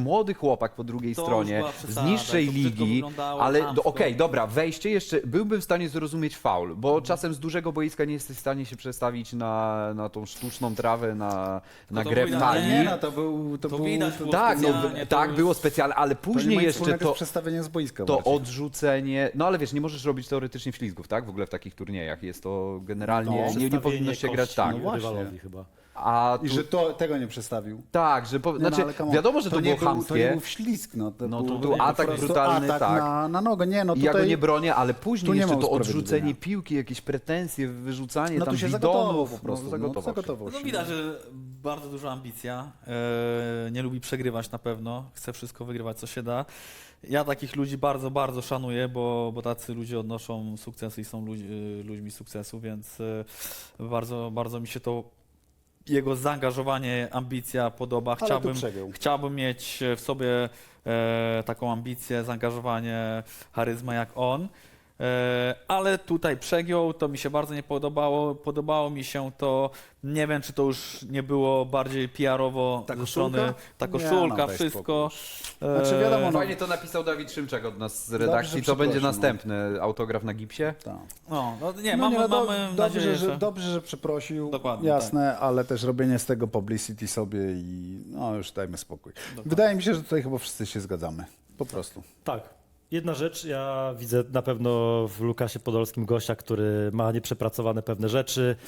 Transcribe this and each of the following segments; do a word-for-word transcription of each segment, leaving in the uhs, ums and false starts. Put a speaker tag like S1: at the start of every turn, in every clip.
S1: młody chłopak po drugiej
S2: To
S1: stronie,
S2: już była
S1: z
S2: przesada,
S1: niższej
S2: to brzydko
S1: ligi,
S2: wyglądało,
S1: ale
S2: chamsko.
S1: do- okej, dobra, wejście jeszcze, byłbym w stanie zrozumieć faul, bo
S2: Mhm.
S1: czasem z dużego boiska nie jesteś w stanie się przestawić na, na tą sztuczną trawę, na, na
S2: to
S1: grę w
S2: widać,
S1: talii.
S3: Nie, no to był... To,
S2: To
S3: był,
S2: widać
S3: to,
S2: było
S1: Tak, no,
S2: specjalnie, to
S1: tak,
S2: już-
S1: było specjalne, ale
S3: to nie
S1: później
S3: ma nic
S1: jeszcze
S3: wspólnego
S1: to,
S3: z przestawieniem z boiska.
S1: to
S3: bardziej.
S1: odrzucenie, no ale wiesz, nie możesz robić teoretycznie ślizgów, tak? W ogóle w takich turniejach jest to generalnie,
S3: No.
S1: nie, nie powinno się grać tak.
S3: No właśnie.
S4: rywalowi chyba.
S1: A
S3: I
S1: tu,
S3: że to, tego nie przestawił.
S1: tak, że po,
S3: Nie,
S1: znaczy,
S3: no, ale come on.
S1: wiadomo, że to,
S3: nie
S1: było
S3: był, To nie
S1: chamskie
S3: był ślizg, no. To
S1: No to
S3: był,
S1: był
S3: po
S1: atak
S3: prostu
S1: brutalny,
S3: atak
S1: tak.
S3: na, na nogę. Nie, no
S1: i
S3: tutaj...
S1: ja go nie bronię, ale
S3: tu
S1: później
S3: nie
S1: jeszcze
S3: ma
S1: to
S3: usprawiedliwienia.
S1: odrzucenie piłki, jakieś pretensje, wyrzucanie
S3: No
S1: tam
S3: tu się zagotował
S1: bidonów,
S3: po prostu.
S1: no,
S3: No,
S1: zagotował się.
S3: zagotował
S2: No
S3: się.
S2: widać, że bardzo duża ambicja, e, nie lubi przegrywać na pewno, chce wszystko wygrywać co się da. Ja takich ludzi bardzo, bardzo szanuję, bo, bo tacy ludzie odnoszą sukcesy i są ludź, ludźmi sukcesu, więc e, bardzo, bardzo mi się to jego zaangażowanie, ambicja podoba.
S3: Ale tu
S2: Chciałbym,
S3: przegiął.
S2: chciałbym mieć w sobie e, taką ambicję, zaangażowanie, charyzmę jak on. E, ale tutaj przegiął, to mi się bardzo nie podobało. Podobało mi się to, nie wiem czy to już nie było bardziej P R-owo
S3: Ta
S2: ze
S3: koszulka?
S2: strony, ta
S3: Nie,
S2: koszulka,
S3: no, daj
S2: wszystko.
S3: Znaczy, wiadomo, no-
S1: Fajnie to napisał Dawid Szymczak od nas z
S3: Dobrze,
S1: redakcji,
S3: że
S1: to będzie
S3: przeprosił,
S1: następny autograf na gipsie.
S3: Tak.
S2: No, no nie,
S3: No
S2: mamy,
S3: no, do-
S2: mamy
S3: dobrze,
S2: nadzieję,
S3: że,
S2: że...
S3: dobrze, że przeprosił,
S2: Dokładnie,
S3: jasne, ale też robienie z tego publicity sobie i no już dajmy spokój. Wydaje mi się, że tutaj chyba wszyscy się zgadzamy, po prostu.
S4: Tak. Jedna rzecz, ja widzę na pewno w Lukasie Podolskim gościa, który ma nieprzepracowane pewne rzeczy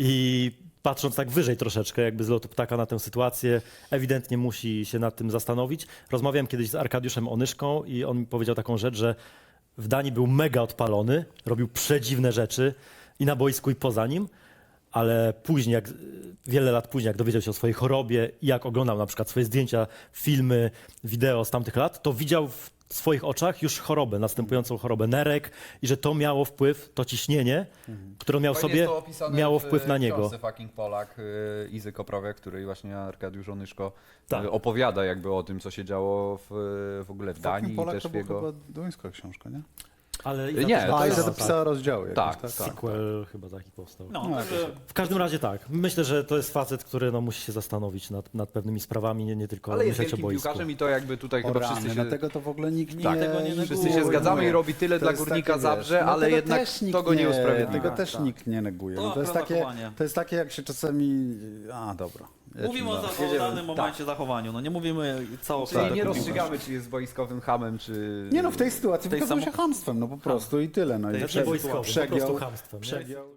S4: i patrząc tak wyżej troszeczkę, jakby z lotu ptaka na tę sytuację, ewidentnie musi się nad tym zastanowić. Rozmawiałem kiedyś z Arkadiuszem Onyszką i on mi powiedział taką rzecz, że w Danii był mega odpalony, robił przedziwne rzeczy i na boisku i poza nim, ale później, jak, wiele lat później, jak dowiedział się o swojej chorobie i jak oglądał na przykład swoje zdjęcia, filmy, wideo z tamtych lat, to widział w swoich oczach już chorobę, następującą chorobę nerek i że to miało wpływ, to ciśnienie, które miał
S1: Fajnie
S4: sobie,
S1: jest to opisane
S4: miało
S1: w,
S4: wpływ na
S1: w
S4: niego.
S1: książce Fucking Polak y, Izy Koprowiak, której właśnie Arkadiusz Onyszko
S4: Tak.
S1: y, opowiada jakby o tym, co się działo w, w ogóle w Danii
S3: Fucking
S1: i
S3: Polak
S1: też
S3: to
S1: w
S3: była
S1: jego...
S3: chyba duńska książka, nie?
S4: Ale
S1: Nie,
S4: Iza też
S1: to
S3: A, i
S1: jest-
S3: za to pisała rozdziały jakieś,
S1: Tak,
S3: tak?
S1: tak.
S4: Sequel chyba taki powstał.
S2: No,
S3: No,
S2: także
S4: W każdym razie tak. Myślę, że to jest facet, który no, musi się zastanowić nad, nad pewnymi sprawami, nie, nie tylko
S1: Ale jest
S4: myśleć o
S1: wielkim
S4: boisku.
S1: piłkarzem i to jakby tutaj
S3: O
S1: chyba
S3: rany,
S1: wszyscy się...
S3: dlatego to w ogóle nikt nie...
S1: Tak,
S2: tego nie
S3: neguje.
S1: Wszyscy się zgadzamy i robi tyle
S3: To
S1: dla
S3: jest
S1: Górnika
S3: takie,
S1: Zabrze,
S3: wiesz, no
S1: ale
S3: tego
S1: jednak
S3: też nikt
S1: to go nie usprawiedliwia.
S3: Tego
S2: Tak,
S3: też
S2: tak.
S3: nikt nie neguje.
S2: To
S3: No, to, jest
S2: akurat
S3: takie,
S2: zachowanie.
S3: to jest takie, jak się czasami... A, dobra.
S2: mówimy o,
S3: Jedźmy
S2: za-
S3: dalej.
S2: o danym momencie zachowaniu, no nie mówimy całkowicie.
S1: Czyli nie rozstrzygamy, czy jest wojskowym hamem, czy...
S3: Nie no, w tej sytuacji
S2: tej
S3: wykazał
S2: samo-
S3: się chamstwem, no po prostu i tyle. No, i
S2: tej
S4: Znaczy
S3: prze-
S4: wojskowym, po
S3: przegiął,
S4: prostu chamstwem. Nie?
S3: przegiął.